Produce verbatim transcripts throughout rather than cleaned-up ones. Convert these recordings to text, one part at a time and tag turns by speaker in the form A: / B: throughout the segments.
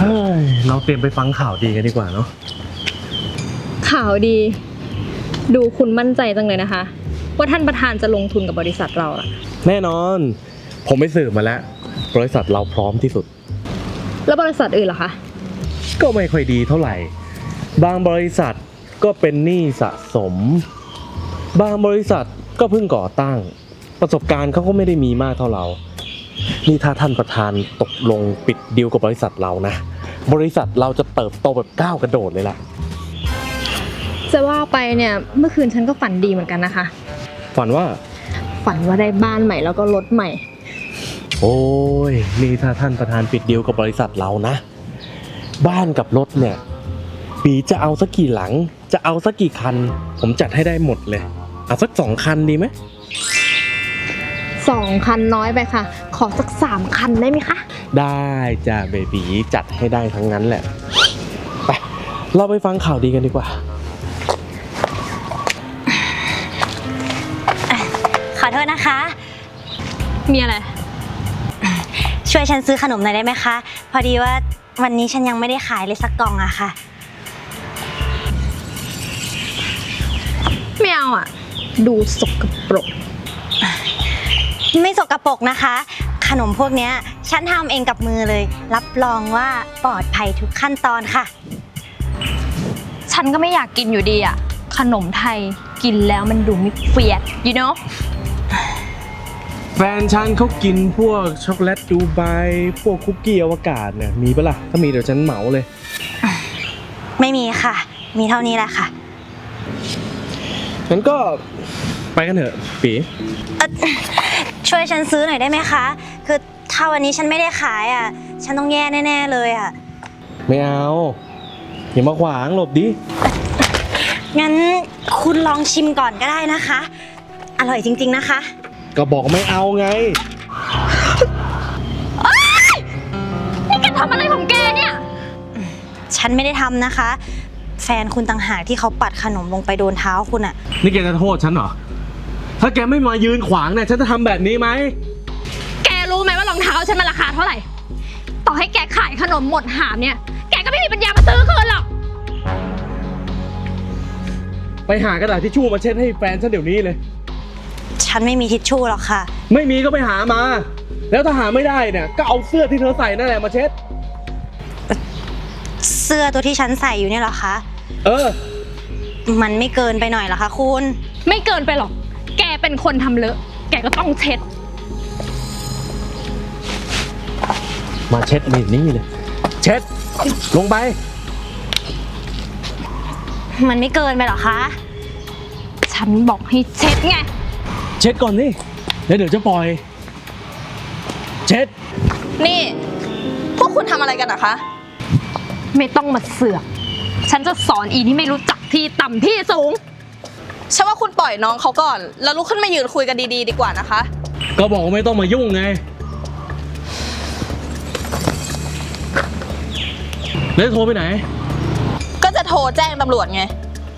A: ฮ้ยเราเตรียมไปฟังข่าวดีกันดีกว่าเนาะ
B: ข่าวดีดูคุณมั่นใจจังเลยนะคะว่าท่านประธานจะลงทุนกับบริษัทเราอะ
A: แน่นอนผมไปสืบมาแล้วบริษัทเราพร้อมที่สุด
B: แล้วบริษัทอื่นล่ะคะ
A: ก็ไม่ค่อยดีเท่าไหร่บางบริษัทก็เป็นหนี้สะสมบางบริษัทก็เพิ่งก่อตั้งประสบการณ์เขาก็ไม่ได้มีมากเท่าเรานี่ถ้าท่านประธานตกลงปิดดีลกับบริษัทเรานะบริษัทเราจะเติบโตแบบก้าวกระโดดเลยล่ะ
B: จะว่าไปเนี่ยเมื่อคืนฉันก็ฝันดีเหมือนกันนะคะ
A: ฝันว่า
B: ฝันว่าได้บ้านใหม่แล้วก็รถใหม่
A: โอ้ยนี่ถ้าท่านประธานปิดดีลกับบริษัทเรานะบ้านกับรถเนี่ยปีจะเอาสักกี่หลังจะเอาสักกี่คันผมจัดให้ได้หมดเลยเอาสักสองคันดีไหม
B: สองคันน้อยไปค่ะขอสักสามคันได้ไหมคะ
A: ได้จ้ะเบบีจัดให้ได้ทั้งนั้นแหละไปเราไปฟังข่าวดีกันดีกว่า
C: ขอโทษนะคะ
B: มีอะไร
C: ช่วยฉันซื้อขนมหน่อยได้ไหมคะพอดีว่าวันนี้ฉันยังไม่ได้ขายเลยสักกล่องอะค่ะ
B: ไม่เอาอะดูสกปรก
C: ไม่สกปรกนะคะขนมพวกนี้ฉันทำเองกับมือเลยรับรองว่าปลอดภัยทุกขั้นตอนค่ะ
B: ฉันก็ไม่อยากกินอยู่ดีอะขนมไทยกินแล้วมันดูไม่เฟี้ย you know
A: แฟนฉันเขากินพวกช็อกโกแลตดูไบพวกคุกกี้อวกาศเนี่ยมีปะล่ะถ้ามีเดี๋ยวฉันเหมาเลย
C: ไม่มีค่ะมีเท่านี้แหละค่ะ
A: งั้นก็ไปกันเถอะปี
C: ช่วยฉันซื้อหน่อยได้ไหมคะคือถ้าวันนี้ฉันไม่ได้ขายอ่ะฉันต้องแย่แน่ๆเลยอ่ะ
A: ไม่เอาอย่ามาขวางหลบดิ
C: งั้นคุณลองชิมก่อนก็ได้นะคะอร่อยจริงๆนะคะ
A: ก็บอกไม่เอาไง
B: นี่แกทำอะไรของแกเนี่ย
C: ฉันไม่ได้ทำนะคะแฟนคุณต่างหากที่เขาปัดขนมลงไปโดนเท้าคุณอ่ะ
A: นี่แกจะโทษฉันเหรอถ้าแกไม่มายืนขวางเนี่ยฉันจะทำแบบนี้ไหม
B: แกรู้ไหมว่ารองเท้าฉันมันราคาเท่าไหร่ต่อให้แกขายขนมหมดหามเนี่ยแกก็ไม่มีปัญญามาซื้อคืนหรอก
A: ไปหากระดาษทิชชู่มาเช็ดให้แฟนฉันเดี๋ยวนี้เลย
C: ฉันไม่มีทิชชู่หรอกค่ะ
A: ไม่มีก็ไปหามาแล้วถ้าหาไม่ได้เนี่ยก็เอาเสื้อที่เธอใส่นั่นแหละมาเช็ด
C: เสื้อตัวที่ฉันใส่อยู่เนี่ยเหรอคะ
A: เออ
C: มันไม่เกินไปหน่อยเหรอคะคุณ
B: ไม่เกินไปหรอกแกเป็นคนทำเลอะแกก็ต้องเช็ด
A: มาเช็ดนี่นี่เลยเช็ดลงไป
C: มันไม่เกินไปหรอคะ
B: ฉันบอกให้เช็ดไง
A: เช็ดก่อนนี่แล้วเดี๋ยวจะปล่อยเช็ด
D: นี่พวกคุณทำอะไรกันนะคะ
B: ไม่ต้องมาเสือกฉันจะสอนอีที่ไม่รู้จักที่ต่ำที่สูง
D: ฉันว่าคุณปล่อยน้องเขาก่อนแล้วลุกขึ้นมายืนคุยกันดีๆดีกว่านะคะ
A: ก็บอกว่าไม่ต้องมายุ่งไงแล้วโทรไปไหน
D: ก็จะโทรแจ้งตำรวจไง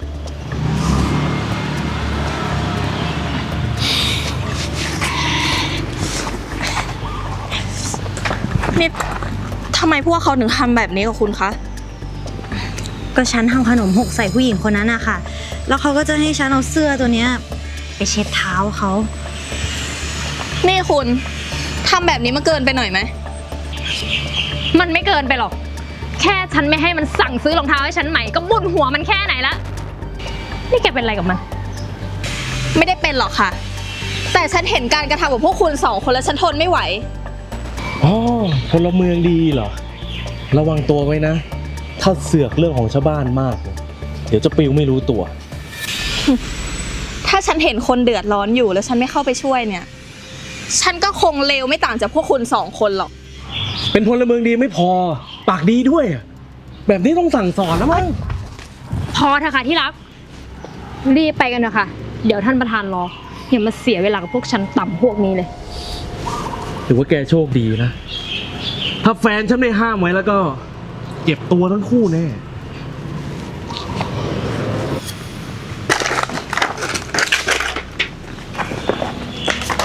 D: นี่ทำไมพวกเขาถึงทำแบบนี้กับคุณคะ
C: ก็ฉันทำขนมหกใส่ผู้หญิงคนนั้นอะค่ะแล้วเขาก็จะให้ฉันเอาเสื้อตัวเนี้ยไปเช็ดเท้าเขา
D: นี่คุณทำแบบนี้มันเกินไปหน่อยไหม
B: มันไม่เกินไปหรอกแค่ฉันไม่ให้มันสั่งซื้อรองเท้าให้ฉันใหม่ก็บุญหัวมันแค่ไหนละนี่แกเป็นอะไรกับมัน
D: ไม่ได้เป็นหรอกค่ะแต่ฉันเห็นการกระทำของพวกคุณสองคนแล้วฉันทนไม่ไหว
A: อ๋อพลเมืองดีเหรอระวังตัวไว้นะถ้าเสือกเรื่องของชาวบ้านมากเดี๋ยวจะปิวไม่รู้ตัว
D: ถ้าฉันเห็นคนเดือดร้อนอยู่แล้วฉันไม่เข้าไปช่วยเนี่ยฉันก็คงเลวไม่ต่างจากพวกคุณสองคนหรอก
A: เป็นพลเมืองดีไม่พอปากดีด้วยแบบนี้ต้องสั่งสอนนะมั้ง
B: พอเถอะค่ะที่รักรีบไปกันเถอะค่ะเดี๋ยวท่านประธานรออย่ามาเสียเวลากับพวกฉันต่ำพวกนี้เลย
A: ถือว่าแกโชคดีนะถ้าแฟนฉันไม่ห้ามไว้แล้วก็เจ็บตัวทั้งคู่แน่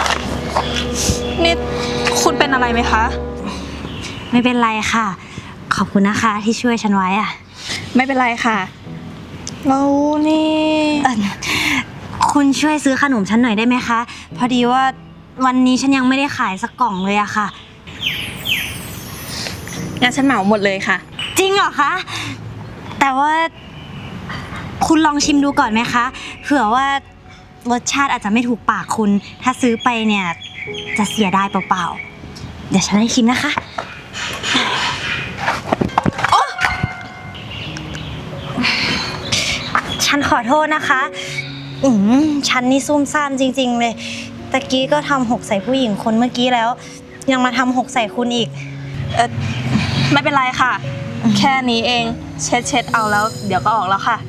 D: นี่คุณเป็นอะไรไหมคะ
C: ไม่เป็นไรค่ะขอบคุณนะคะที่ช่วยฉันไว้อะ
D: ไม่เป็นไรค่ะแล้วนี่
C: เอ่อคุณช่วยซื้อขนมฉันหน่อยได้ไหมคะ พอดีว่าวันนี้ฉันยังไม่ได้ขายสักกล่องเลยอะค่ะ
D: งั้นฉันเหมาหมดเลยค่ะ
C: จริงเหรอคะ แต่ว่าคุณลองชิมดูก่อนไหมคะ เผื่อว่ารสชาติอาจจะไม่ถูกปากคุณ ถ้าซื้อไปเนี่ยจะเสียดายเปล่าๆ เดี๋ยวฉันให้ชิมนะคะโอ๊ะฉันขอโทษนะคะ อืมฉันนี่ซุ่มซ่ามจริงๆเลย ตะกี้ก็ทำหกใส่ผู้หญิงคนเมื่อกี้แล้ว ยังมาทำหกใส่คุณอีก
D: เออไม่เป็นไรค่ะ แค่นี้เองเช็ดเช็ดเอาแล้ว เดี๋ยวก็ออกแล้วค่ะ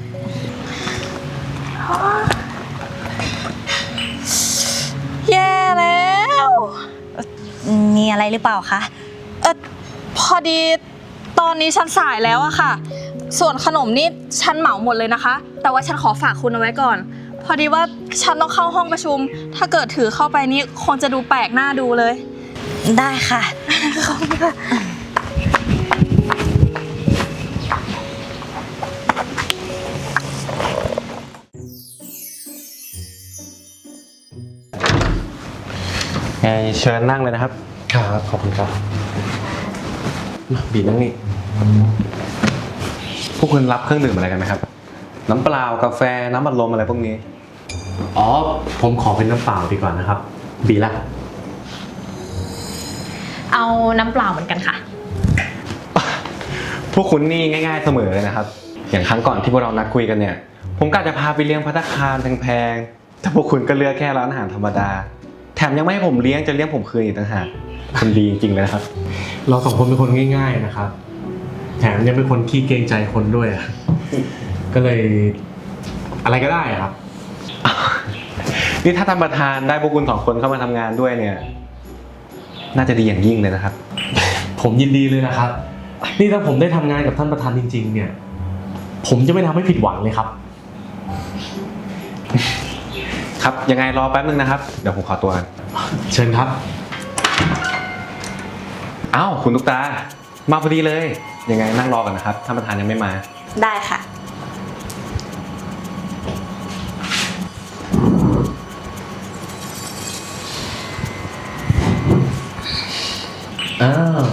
D: แย่แล้ว
C: มีอะไรหรือเปล่าคะ
D: เออพอดีตอนนี้ฉันสายแล้วอะค่ะ ส่วนขนมนี่ฉันเหมาหมดเลยนะคะ แต่ว่าฉันขอฝากคุณเอาไว้ก่อน พอดีว่าฉันต้องเข้าห้องประชุม ถ้าเกิดถือเข้าไปนี่คงจะดูแปลกหน้าดูเลย
C: ได้ค่ะ
E: ไงเชิญนั่งเลยนะครับ
A: ครับขอบคุณครับมาบีนั่งนี่
E: พวกคุณรับเครื่องดื่มอะไรกันไหมครับ น้ำเปล่ากาแฟน้ำอัดลมอะไรพวกนี้
A: อ๋อผมขอเป็นน้ำเปล่าดีกว่านะครับ บีละ
B: เอาน้ำเปล่าเหมือนกันค่ะ
E: พวกคุณนี่ง่ายๆเสมอเลยนะครับ อย่างครั้งก่อนที่พวกเรานัดคุยกันเนี่ย ผมกะจะพาไปเลี้ยงภัตตาคารแพงๆแต่พวกคุณก็เลือกแค่ร้านอาหารธรรมดา แถมยังไม่ให้ผมเลี้ยงจะเลี้ยงผมคืนอีกต่างหากคุณดีจริงๆเลยนะครับ
A: เราสองคนเป็นคนง่าย ๆนะครับ แถมยังเป็นคนขี้เกรงใจคนด้วยอะก็เลยอะไรก็ได้อะครับ
E: นี่ถ้าท่านประธานได้พวกคุณสองคนเข้ามาทำงานด้วยเนี่ย น่าจะดีอย่างยิ่งเลยนะครับ
A: ผมยินดีเลยนะครับ นี่ถ้าผมได้ทำงานกับท่านประธานจริง ๆ เนี่ย ผมจะไม่ทำให้ผิดหวังเลยครับ
E: ครับยังไงรอแป๊บนึงนะครับเดี๋ยวผมขอตัวกัน
A: เชิญครับ
E: อ้าวคุณตุ๊กตามาพอดีเลย ยังไงนั่งรอกันนะครับท่านประธานยังไม่มา
D: ได้ค่ะ
A: อ้าว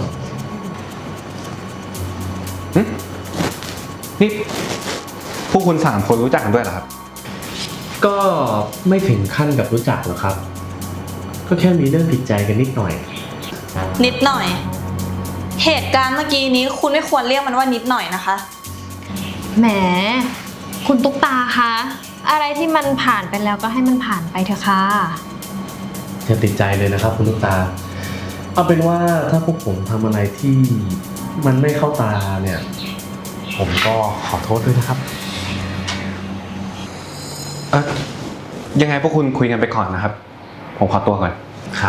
E: นี่พวกคุณสามคนรู้จักกันด้วยเหรอครับ
A: ก็ไม่ถึงขั้นกับรู้จักหรอกครับ ก็แค่มีเรื่องผิดใจกันนิดหน่อย
D: นิดหน่อย เหตุการณ์เมื่อกี้นี้คุณไม่ควรเรียกมันว่านิดหน่อยนะคะ
B: แหม คุณตุ๊กตาคะ อะไรที่มันผ่านไปแล้วก็ให้มันผ่านไปเถอะค่ะ
A: อย่าติดใจเลยนะครับคุณลูกตา เอาเป็นว่าถ้าพวกผมทำอะไรที่มันไม่เข้าตาเนี่ย ผมก็ขอโทษด้วยนะครับ
E: เออยังไงพวกคุณคุยกันไปก่อนนะครับ ผมขอตัวก่อน
A: ครับ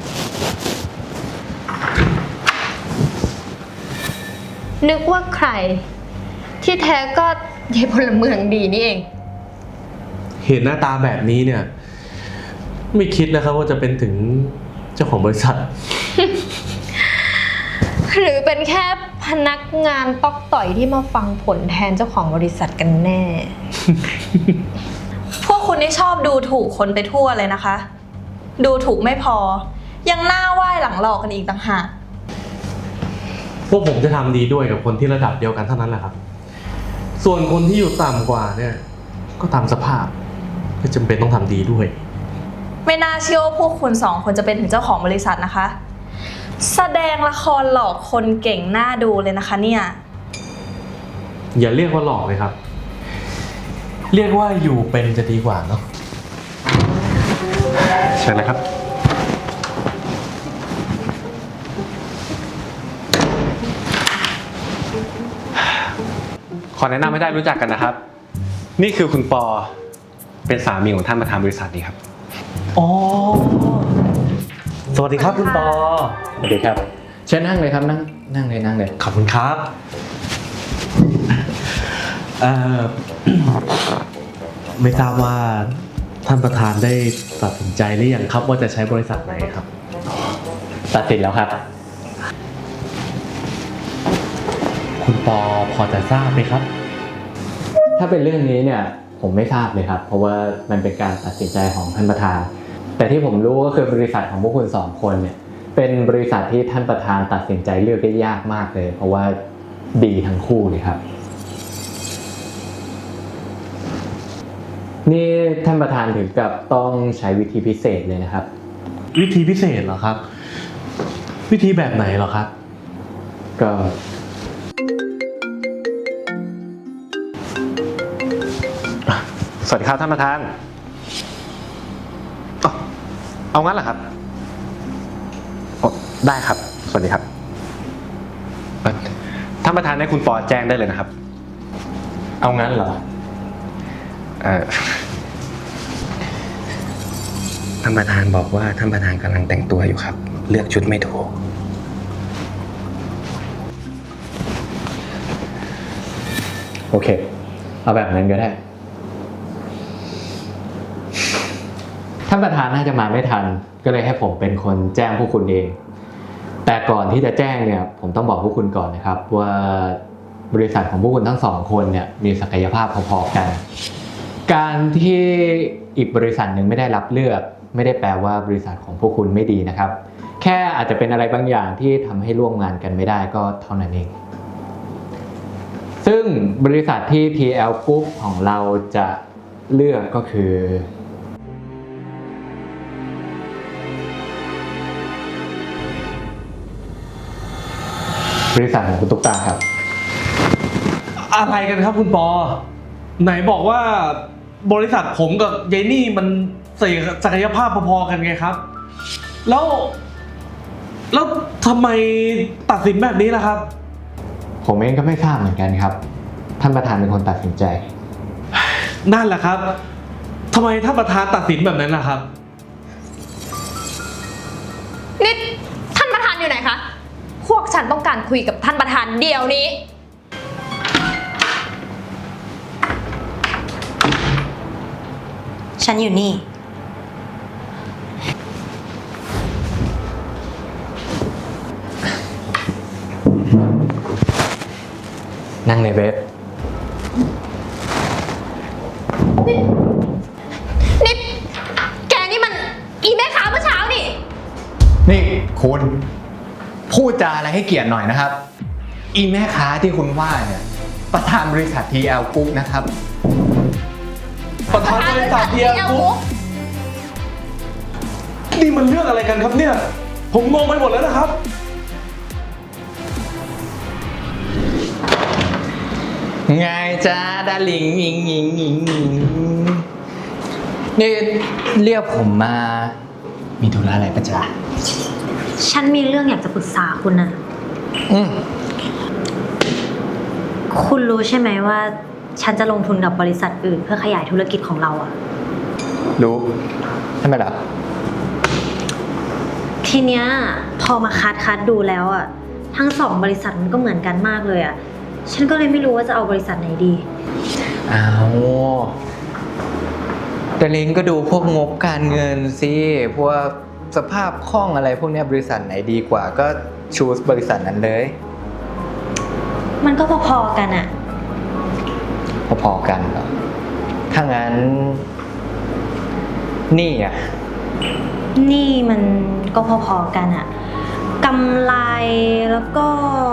B: นึกว่าใคร ที่แท้ก็ยายพลเมืองดีนี่เอง
A: เห็นหน้าตาแบบนี้เนี่ย ไม่คิดนะครับว่าจะเป็นถึงเจ้าของบริษัท
B: หรือเป็นแค่พนักงานตอกต่อยที่มาฟังผลแทนเจ้าของบริษัทกันแน่
D: พวกคุณนี่ชอบดูถูกคนไปทั่วเลยนะคะ ดูถูกไม่พอ ยังหน้าไหว้หลังหลอกกันอีกต่างหาก
A: พวกผมจะทำดีด้วยกับคนที่ระดับเดียวกันเท่านั้นแหละครับ ส่วนคนที่อยู่ต่ำกว่าเนี่ย ก็ตามสภาพไม่จำเป็นต้องทำดีด้วย
D: ไม่น่าเชื่อว่าพวกคุณสองคนจะเป็นถึงเจ้าของบริษัทนะคะ แสดงละครหลอกคนเก่งหน้าดูเลยนะคะเนี่ย
A: อย่าเรียกว่าหลอกเลยครับ เรียกว่าอยู่เป็นจะดีกว่าเนาะ
E: เชิญเลยครับ ขอแนะนำให้ได้รู้จักกันนะครับ นี่คือคุณปอเป็นสามีของท่านประธานบริษัทนี้ครับ
A: อ๋อ สวัสดีครับคุณปอ
E: สวัสดีครับเชิญนั่งเลยครับนั่งนั่งเลยนั่งเลย
A: ขอบคุณครับ เอ่อ ไม่ทราบว่าท่านประธานได้ตัดสินใจหรือยังครับว่าจะใช้บริษัทไหนครับ
E: ตัดสินแล้วครับ
A: ปอพอจะทราบไหมครับ
F: ถ้าเป็นเรื่องนี้เนี่ยผมไม่ทราบเลยครับ เพราะว่ามันเป็นการตัดสินใจของท่านประธาน แต่ที่ผมรู้ก็คือบริษัทของพวกคุณสองคนเนี่ยเป็นบริษัทที่ท่านประธานตัดสินใจเลือกได้ยากมากเลย เพราะว่าดีทั้งคู่เลยครับ นี่ท่านประธานถึงกับต้องใช้วิธีพิเศษเลยนะครับ
A: วิธีพิเศษเหรอครับ วิธีแบบไหนเหรอครับ
F: ก็
E: สวัสดีครับท่านประธานอ๋อเอางั้นเหรอครับโอ้ได้ครับ สวัสดีครับเอ่อท่านประธานให้คุณปอแจ้งได้เลยนะครับ
F: เอางั้นเหรอ
E: เอ่อ
G: ท่านประธานบอกว่าท่านประธานกำลังแต่งตัวอยู่ครับ เลือกชุดไม่ถูก
F: โอเค เอาแบบนั้นก็ได้ ท่านประธานน่าจะมาไม่ทัน ก็เลยให้ผมเป็นคนแจ้งพวกคุณเอง แต่ก่อนที่จะแจ้งเนี่ย ผมต้องบอกพวกคุณก่อนนะครับ ว่าบริษัทของพวกคุณทั้งสองคนเนี่ยมีศักยภาพพอๆกัน การที่อีกบริษัทหนึ่งไม่ได้รับเลือก ไม่ได้แปลว่าบริษัทของพวกคุณไม่ดีนะครับ แค่อาจจะเป็นอะไรบางอย่างที่ทำให้ร่วมงานกันไม่ได้ก็เท่านั้นเอง ซึ่งบริษัทที่ ที แอล Group ของเราจะเลือกก็คือ บริษัทของคุณตุ๊กตาครับ
A: อะไรกันครับคุณปอ ไหนบอกว่าบริษัทผมกับยายนี่มันศักยภาพพอๆกันไงครับ แล้ว แล้วทำไมตัดสินแบบนี้ล่ะครับ
F: ผมเองก็ไม่ทราบเหมือนกันครับ ท่านประธานเป็นคนตัดสินใจ
A: นั่นแหละครับทำไมท่านประธานตัดสินแบบนั้นล่ะครับ
B: นี่ท่านประธานอยู่ไหนคะ พวกฉันต้องการคุยกับท่านประธานเดี๋ยวนี้
C: ฉันอยู่นี่
F: นั่งในเว็บ
B: นี่ แกนี่มันอีแม่ค้าเมื่อเช้านี่
F: นี่คุณพูดจาอะไรให้เกียรติหน่อยนะครับ อีแม่ค้าที่คุณว่าเนี่ยประธานบริษัท ที แอล Group นะครับ
A: ประธานบริษัทเดียวกุ๊กนี่มันเรื่องอะไรกันครับเนี่ย ผมงงไปหมดแล้วนะครับ
F: ไงจ้าดาลิงอิงอิงอิงอิงนี่เรียกผมมา มีธุระอะไรปะจ๊ะ
C: ฉันมีเรื่องอยากจะปรึกษาคุณนะ
F: อืม
C: คุณรู้ใช่ไหมว่า ฉันจะลงทุนกับบริษัทอื่นเพื่อขยายธุรกิจของเราอะ
F: รู้ทำไมล่ะ
C: ทีเนี้ยพอมาคัดคัดดูแล้วอะทั้งสองบริษัทมันก็เหมือนกันมากเลยอะฉันก็เลยไม่รู้ว่าจะเอาบริษัทไหนดี
F: อ้าวแต่ลิงก็ดูพวกงบการเงินสิพวกสภาพคล่องอะไรพวกเนี้ยบริษัทไหนดีกว่าก็ชูสบริษัทนั้นเลย
C: มันก็พอๆกันอะ
F: พอๆกันเหรอถ้างั้น นี่อ่ะ
C: นี่มันก็พอๆกันอะกำไรแล้วก็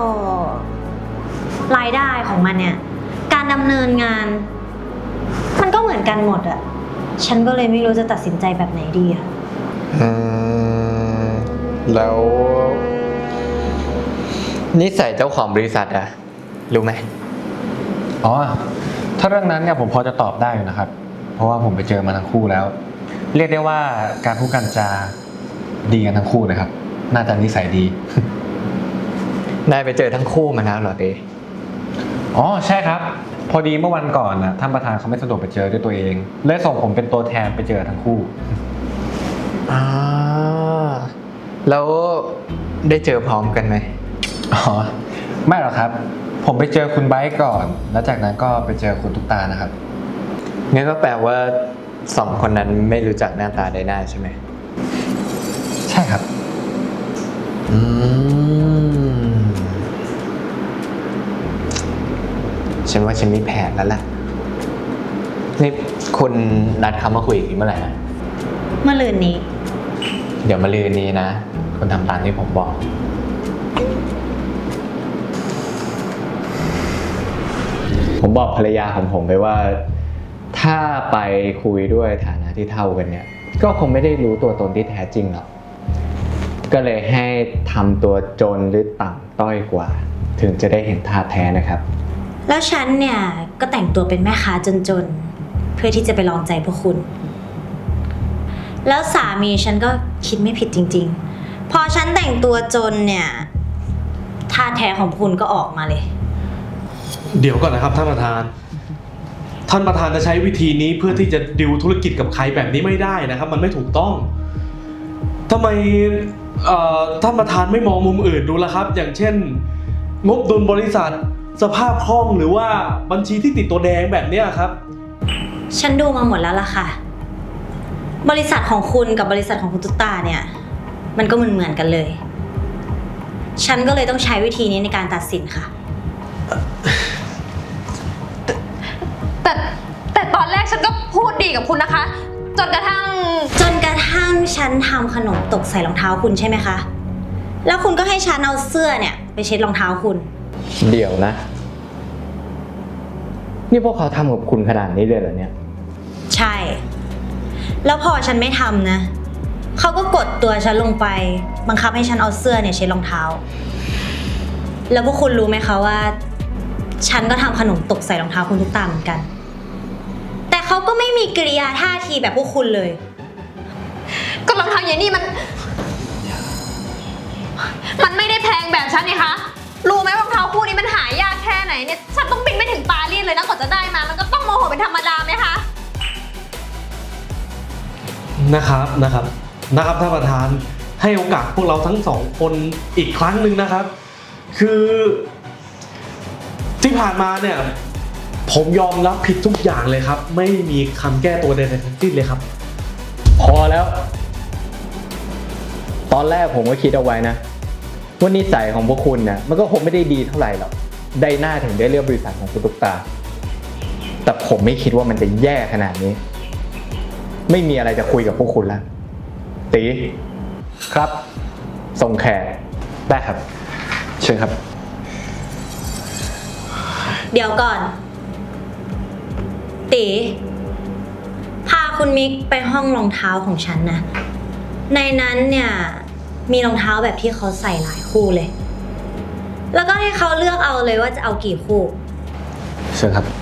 C: รายได้ของมันเนี่ย การดำเนินงาน มันก็เหมือนกันหมดอะฉันก็เลยไม่รู้จะตัดสินใจแบบไหนดีอะ
F: อืม แล้ว นิสัยเจ้าของบริษัทอะรู้ไหม
E: อ๋อ ถ้าเรื่องนั้นเนี่ยผมพอจะตอบได้อยู่นะครับ เพราะว่าผมไปเจอมาทั้งคู่แล้ว เรียกได้ว่าการพูดกันจาดีกันทั้งคู่เลยครับ น่าจะนิสัยดี
F: นายไปเจอทั้งคู่มาแล้วเหรอเด
E: อ๋อใช่ครับ พอดีเมื่อวันก่อนนะท่านประธานเขาไม่สะดวกไปเจอด้วยตัวเองเลยส่งผมเป็นตัวแทนไปเจอทั้งคู่
F: อ่าแล้วได้เจอพร้อมกันไหม
E: อ๋อไม่หรอกครับ ผมไปเจอคุณไบค์ก่อน แล้วจากนั้นก็ไปเจอคุณตุ๊กตานะครับ
F: งั้นก็แปลว่าสองคนนั้นไม่รู้จักหน้าตาได้หน้าใช่ไหม
E: ใช่ครับ
F: อืมฉันว่าฉันมีแผนแล้วล่ะนี่คุณนัดเขามาคุยอีกเมื่อไหร่นะ
C: เมื่อลืนนี้
F: เดี๋ยวมาลืนนี้นะคุณทำตามที่ผมบอก ผมบอกภรรยาของผมไปว่า ถ้าไปคุยด้วยฐานะที่เท่ากันเนี่ย ก็คงไม่ได้รู้ตัวตนที่แท้จริงหรอก ก็เลยให้ทำตัวจนหรือต่ำต้อยกว่า ถึงจะได้เห็นท่าแท้นะครับ
C: แล้วฉันเนี่ยก็แต่งตัวเป็นแม่ค้าจนๆ เพื่อที่จะไปลองใจพวกคุณ แล้วสามีฉันก็คิดไม่ผิดจริงๆ พอฉันแต่งตัวจนเนี่ยท่าแท้ของคุณก็ออกมาเลย
A: เดี๋ยวก่อนนะครับท่านประธาน ท่านประธานจะใช้วิธีนี้เพื่อที่จะดิวธุรกิจกับใครแบบนี้ไม่ได้นะครับ มันไม่ถูกต้องทำไมเอ่อท่านประธานไม่มองมุมอื่นดูล่ะครับ อย่างเช่น งบดุลบริษัทสภาพคล่องหรือว่าบัญชีที่ติดตัวแดงแบบเนี้ยครับ
C: ฉันดูมาหมดแล้วล่ะค่ะ บริษัทของคุณกับบริษัทของคุณตุ๊กตาเนี่ย มันก็เหมือนเหมือนกันเลย ฉันก็เลยต้องใช้วิธีนี้ในการตัดสินค่ะ
B: แต่แต่ตอนแรกฉันก็พูดดีกับคุณนะคะ จนกระทั่ง
C: จนกระทั่งฉันทำขนมตกใส่รองเท้าคุณใช่ไหมคะ แล้วคุณก็ให้ฉันเอาเสื้อเนี่ยไปเช็ดรองเท้าคุณ
F: เดี๋ยวนะ นี่พวกเขาทำกับคุณขนาดนี้เลยเหรอเนี่ย
C: ใช่ แล้วพอฉันไม่ทำนะ เขาก็กดตัวฉันลงไป บังคับให้ฉันเอาเสื้อเนี่ยเช็ดรองเท้า แล้วพวกคุณรู้ไหมคะว่า ฉันก็ทำขนมตกใส่รองเท้าคุณทุกตาเหมือนกัน แต่เขาก็ไม่มีกิริยาท่าทีแบบพวกคุณเลย
B: ก็รองเท้าอย่างนี้มัน มันไม่ได้แพงแบบฉันนี่คะ รู้ไหมรองเท้าคู่นี้มันหายากแค่ไหนเนี่ย ฉันต้องบินไปถึงปารีสเลยนะกว่าจะได้มา มันก็ต้องโมโหเป็นธรรมดาไหมคะ
A: นะครับนะครับนะครับท่านประธานให้โอกาสพวกเราทั้งสองคนอีกครั้งหนึ่งนะครับ คือที่ผ่านมาเนี่ย ผมยอมรับผิดทุกอย่างเลยครับ ไม่มีคำแก้ตัวใดๆทั้งสิ้นเลยครับ
F: พอแล้ว ตอนแรกผมก็คิดเอาไว้นะว่านิสัยของพวกคุณเนี่ยมันก็คงไม่ได้ดีเท่าไหร่หรอกได้หน้าถึงได้เลือกบริษัทของคุณตุ๊กตา แต่ผมไม่คิดว่ามันจะแย่ขนาดนี้ ไม่มีอะไรจะคุยกับพวกคุณแล้วตีครับส่งแขก
E: ได้ครับ เชิญครับ
C: เดี๋ยวก่อน ตีพาคุณมิกไปห้องรองเท้าของฉันนะ ในนั้นเนี่ยมีรองเท้าแบบที่เขาใส่หลายคู่เลย แล้วก็ให้เขาเลือกเอาเลยว่าจะเอากี่คู่
E: เชิญครับ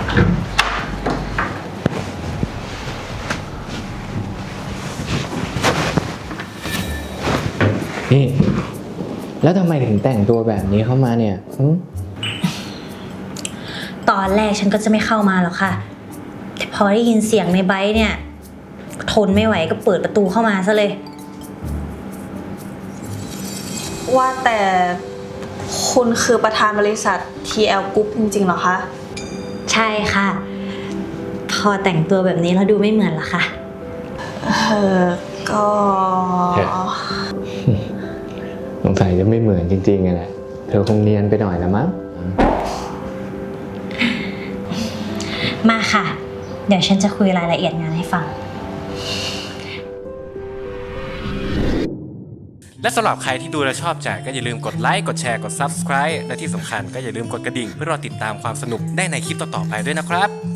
F: นี่แล้วทำไมถึงแต่งตัวแบบนี้เข้ามาเนี่ยหึ
C: ตอนแรกฉันก็จะไม่เข้ามาหรอกค่ะ แต่พอได้ยินเสียงในไบค์เนี่ย ทนไม่ไหวก็เปิดประตูเข้ามาซะเลย
D: ว่าแต่คุณคือประธานบริษัท ที แอล Group จริงๆเหรอคะ
C: ใช่ค่ะ พอแต่งตัวแบบนี้แล้วดูไม่เหมือนละค่ะ
D: เออก็
F: สงสัยจะไม่เหมือนจริงๆไงแหละเธอคงเนียนไปหน่อยละมั้ง
C: มาค่ะ เดี๋ยวฉันจะคุยรายละเอียดงานให้ฟัง
H: และสำหรับใครที่ดูและชอบใจก็อย่าลืมกดไลค์ กดแชร์ กด ซับสไครบ์ และที่สำคัญก็อย่าลืมกดกระดิ่งเพื่อรอติดตามความสนุกได้ในคลิปต่อๆไปด้วยนะครับ